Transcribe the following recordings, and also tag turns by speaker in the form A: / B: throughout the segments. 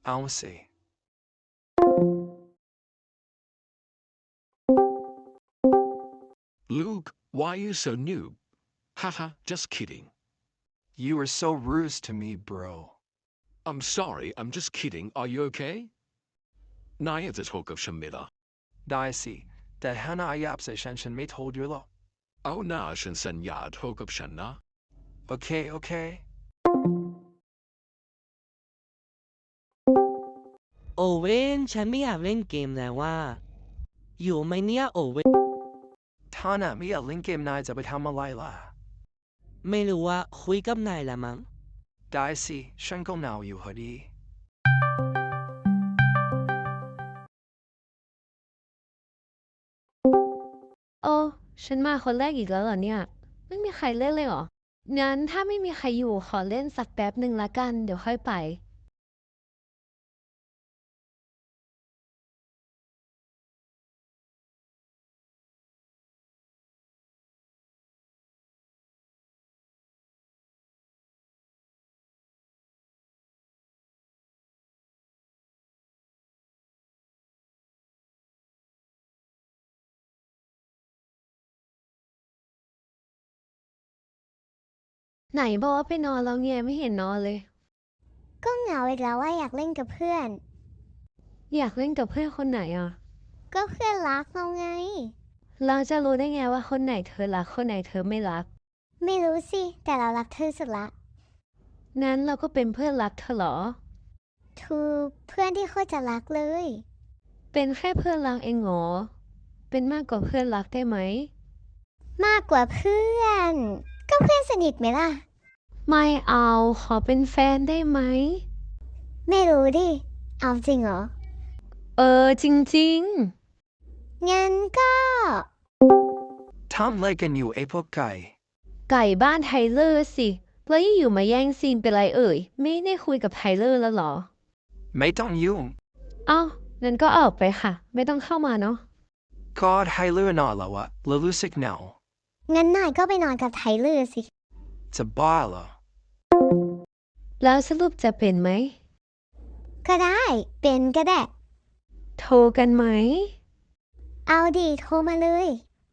A: เอาสิ
B: Luke, why are you so noob? Haha, just kidding.
A: You are so rude to me, bro.
B: I'm sorry, I'm just kidding. Are you okay? นายอยากจะโทรกับฉันไหมล่ะ
A: ได้สิแต่ถ้านายอยากใส่ฉันไม่โทรด้วยหรอก
B: เอาหน้าฉันสัญญาโทรกับฉันนะ
A: โอเคโอเค
C: โอเว่นฉันไม่อยากเล่นเกมแล้วว่าอยู่ไหมเนี่ยโอเว่น
A: ถ้านายไม่อยากเล่นเกมนายจะไปทำอะไรล่ะ
C: ไม่รู้ว่าคุยกับนายละมั้ง
A: ได้สิฉันก็หนาวอยู่พอดี
D: โอ้ฉันมาคนแรกอีกแล้วเหรอเนี่ยไม่มีใครเล่นเลยเหรองั้นถ้าไม่มีใครอยู่ขอเล่นสักแป๊บหนึ่งละกันเดี๋ยวค่อยไปไหนบอกว่าไปนอนแล้วไงไม่เห็นนอนเลย
E: ก็เหงาอีกแล้วว่าอยากเล่นกับเพื่อน
D: อยากเล่นกับเพื่อนคนไหนอ่ะ
E: ก็เพื่อนรักเราไง
D: เราจะรู้ได้ไงว่าคนไหนเธอรักคนไหนเธอไม่รัก
E: ไม่รู้สิแต่เรารักเธอสุดละ
D: งั้นเราก็เป็นเพื่อนรักเธอเหรอ
E: ทูเพื่อนที่โคตรจะรักเลย
D: เป็นแค่เพื่อนรักเองเหรอเป็นมากกว่าเพื่อนรักได้ไหม
E: มากกว่าเพื่อนก็เพื่อนสนิทไหมล่ะ
D: ไม่เอาขอเป็นแฟนได้ไหม
E: ไม่รู้ดิเอาจริงเหรอ
D: จริง
E: งั้นก็
A: ทำอะไรกันอยู่ไอ้พวกไก่
D: ไก่บ้านไทเลอร์สิแล้วอยู่มาแย่งซีนเป็นไรไม่ได้คุยกับไทเลอร์แล้วเหรอ
A: ไม่ต้องยุ่ง
D: อ้าวงั้นก็ออกไปค่ะไม่ต้องเข้ามาเนาะ
A: ก็ให้เลื่อนนอนแล้วอะแล้วรู้สึกหนาว
E: งั้นนายก็ไปนอนกับไทเลอร์สิ
A: จะบ้าเหรอ
D: แล้วสรุปจะเป็นไหม
E: ก็ได้เป็นก็ได้
D: โทรกันไหม
E: เอาดิโทรมาเลย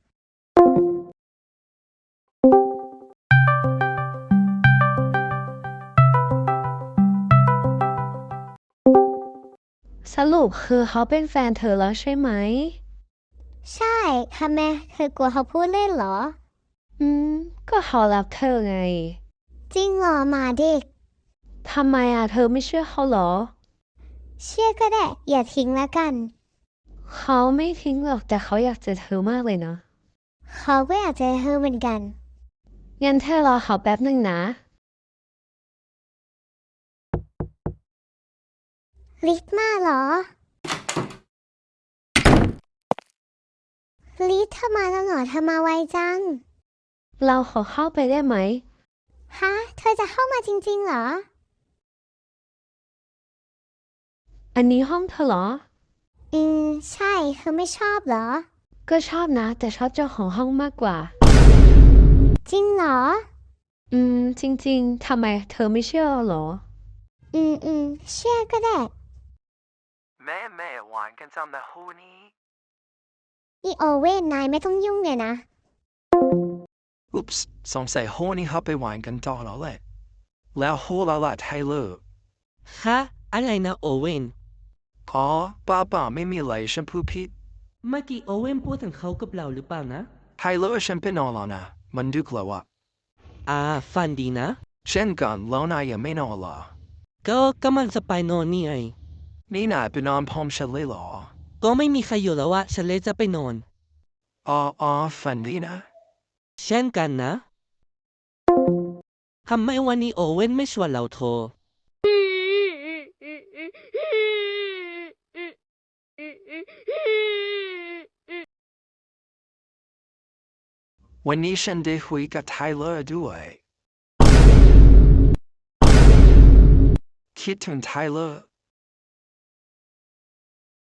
D: สรุปคือเขาเป็นแฟนเธอแล้วใช่ไหม
E: ใช่ทำไมเธอกลัวเขาพูดเล่นเหรอ
D: ก็เขารักเธอไง
E: จริงเหรอหมาเด็ก
D: ทำไมเธอไม่เชื่อเขาเหรอ
E: เชื่อก็ได้อย่าทิ้งแล้วกัน
D: เขาไม่ทิ้งหรอกแต่เขาอยากเจอเธอมากเลยนะ
E: เขาก็อยากเจอเธอเหมือนกัน
D: งั้นเธอรอเขาแป๊บหนึ่งนะ
E: ลิฟต์มาเหรอลิฟต์เธอมาแล้วเหรอเธอมาไวจัง
D: เราขอเข้าไปได้ไหม
E: ฮะเธอจะเข้ามาจริงๆเหรอ
D: อันนี้ห้องเธอเหรอ
E: ใช่เธอไม่ชอบเหรอ
D: ก็ชอบนะแต่ชอบเจ้าของห้องมากกว่า
E: จริงเหรอ
D: จริงๆทำไมเธอไม่เชื่อเหรอ
E: เชื่อก็ได้
A: แม่หวานกันจำแต่หูนี้
E: อีโอเว่นนายไม่ต้องยุ่งเลยนะ
A: อุ๊ปส์สงสัยหูนี้เขาไปหวานกันต่อแล้วแหละแล้วหูละละไทเลอร์
C: ฮะอะไรนะโอเว่น
A: อ๋อป้าไม่มีอะไรฉันพูดผิด
C: เมื่อกี้โอเว่นพูดถึงเขากับเราหรือเปล่านะ
A: ไทเลอร์ฉันเป็นนอนแล้วนะมันดึกแล้วอะ
C: ฝันดีนะ
A: เช่นกันแล้วนายยังไม่นอนเหรอ
C: ก็กำลังจะไปนอนนี่ไง
A: นี่นายไปนอนพร้อมฉันเลยเหรอ
C: ก็ไม่มีใครอยู่แล้วอะฉันเลยจะไปนอน
A: อ๋อฝันดีนะ
C: เช่นกันนะทำไมวันนี้โอเว่นไม่ชวนเราโทร
A: วันนี้ฉันได้คุยกับไทเลอร์ด้วยคิดถึงไทเลอร์